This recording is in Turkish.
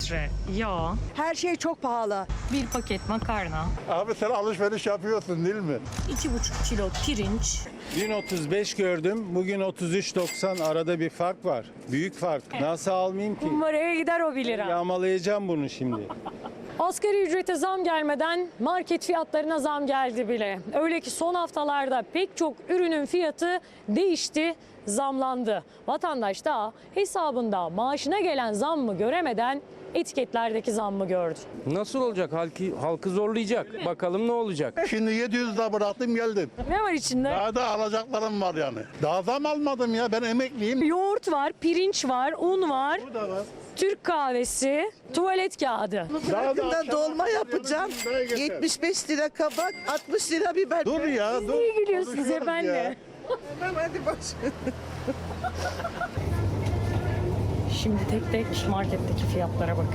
litre yağ, Her şey çok pahalı. bir paket makarna, Abi sen alışveriş yapıyorsun değil mi? 2,5 kilo pirinç, Dün 35 gördüm, bugün 33.90, arada bir fark var. Büyük fark. Nasıl almayayım ki? Kumbaraya gider o 1 lira. Yağmalayacağım bunu şimdi. Asgari ücrete zam gelmeden market fiyatlarına zam geldi bile. Öyle ki son haftalarda pek çok ürünün fiyatı değişti, zamlandı. Vatandaş da hesabında maaşına gelen zammı göremeden etiketlerdeki zammı gördü. Nasıl olacak? Halkı zorlayacak. Bakalım ne olacak? Şimdi 700 lira bıraktım geldim. Ne var içinde? Daha da alacaklarım var yani. Daha zam almadım ya, ben emekliyim. Yoğurt var, pirinç var, un var, Bu da var. Türk kahvesi, tuvalet kağıdı. Daha da Yakında dolma yapacağım. 75 lira kabak, 60 lira biber. Dur ya, dur. Niye gülüyorsunuz Konuşuyoruz efendim? ya. Tamam, hadi baş. Şimdi tek tek marketteki fiyatlara bakın.